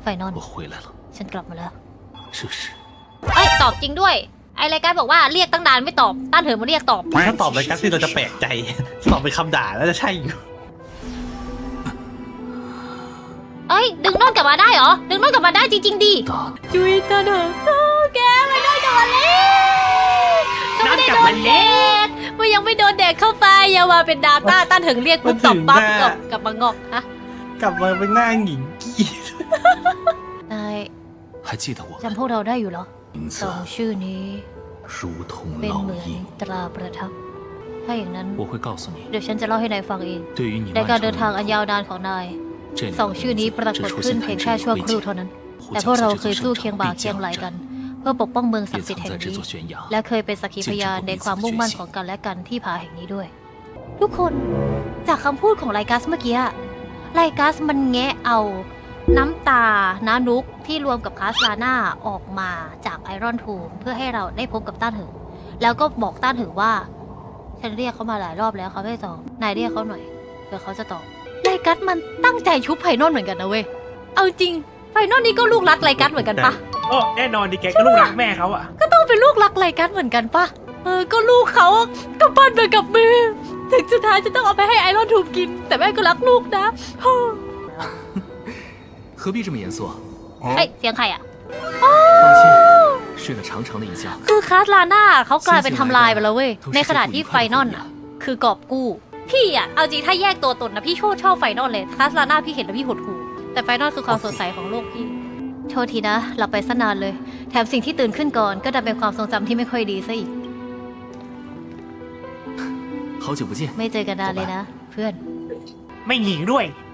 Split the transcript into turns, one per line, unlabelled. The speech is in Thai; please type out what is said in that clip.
ไฟนอล
我回来了。
ฉันกลับมาแล้ว
这是
เอ้ยตอบจริงด้วยไอรายการบอกว่าเรียกตั้งนานไม่ตอบต้านเถิดมาเรียกตอบ
ถ้าตอบรายการที่เราจะแปลกใจตอบเป็นคำด่าแล้วจะใช่อยู่
เอ้ยดึงโนอนกลับมาได้เหรอดึงโนอนกลับมาได้จริงๆดิ
大
จุยตาเถอะแกไม่ได้กลับมาแล้วก็ไม่ได้โดนเด็กมันยังไม่โดนเด็กเข้าไปอย่ามาเป็นดาต้าต้านเถิงเรียกปุ๊บตอบปั๊บกลับมางอกฮะ
กลับมาเป็นหน้าหญิงกี้
นาย
还记得我
จำพวกเราได้อยู่เหรอ
名
สอง
字
ชื่อนี้
如同
เป็น
烙
เหมือน
印。
ตราประทับถ้าอย่างนั้น
我会告诉你，
เดี๋ยวฉันจะเล่าให้นายฟังเอง
对于你
ใน
漫
การ
长
เดินทางอัน
的
ยาว
路
นานของนาย
这两
สอง
个
ชื่อนี้
名
ปรา
字
กฏ
只出
ขึ้น
现
เพียง
在
แค่
这
ชั่ว
里
ครู่
灰
เท่านั้น
烬。
แต่
呼
พวก
叫
เรา
在
เค
这
ย
座
สู้
山
เคียง
上
บ่า
必
เคียงไหล
将
กัน
然，
เพื่อปกป้องเมืองศัก
也
ดิ์สิทธิ์
曾
แห่ง
在这
นี้
座悬崖
และเคยเป็นสักขีพยานในความมุ่งมั่นของกันและกันที่ผาแห่งนี้ด้วย ทุกคนจากคำพูดของไลกัสเมื่อกี้ไลกัสมันแงะเอาน้ำตาน้านุกที่รวมกับคาสลาน่าออกมาจากไอรอนทูมเพื่อให้เราได้พบกับต้านเหิงแล้วก็บอกต้านเหิงว่าฉันเรียกเขามาหลายรอบแล้วเขาไม่ตอบนายเรียกเขาหน่อยเผื่อเขาจะตอบไลกัสมันตั้งใจชุบไพนอลเหมือนกันนะเว้ยเอาจริงไพนอลนี่ก็ลูกรักไลกัสเหมือนกันปะ
โอ้แน่นอนดิแกก็ลูกรักแม่เขาอะ
ก็ต้องเป็นลูกรักไลกัสเหมือนกันปะก็ลูกเขาก็ปั้นมากับมือถึงสุดท้ายจะต้องเอาไปให้ไอรอนทูมกิน แต่แม่ก็รักลูกนะ
何必这么严肃？
เอ้ยเสียงใครอ่ะ
放心，睡了长长的一觉。
คือคาสลาน่าเขากลายเป็นทำลายไปแล้วเว้ย ในขณะที่ไฟนอลอ่ะ คือกอบกู้ พี่อ่ะ เอาจริงถ้าแยกตัวตนนะพี่ชอบไฟนอลเลย คาสลาน่าพี่เห็นแล้วพี่หดหู่แต่ไฟนอลคือความสดใสของโลกพี่ โทษทีนะหลับไปซะนานเลย แถมสิ่งที่ตื่นขึ้นก่อนก็ดันเป็นความทรงจำที่ไม่ค่อยดีซะอีก
好久不见，
ไม่เจอกันนานเลยนะ เพื่อน
ไม่หนีด้วย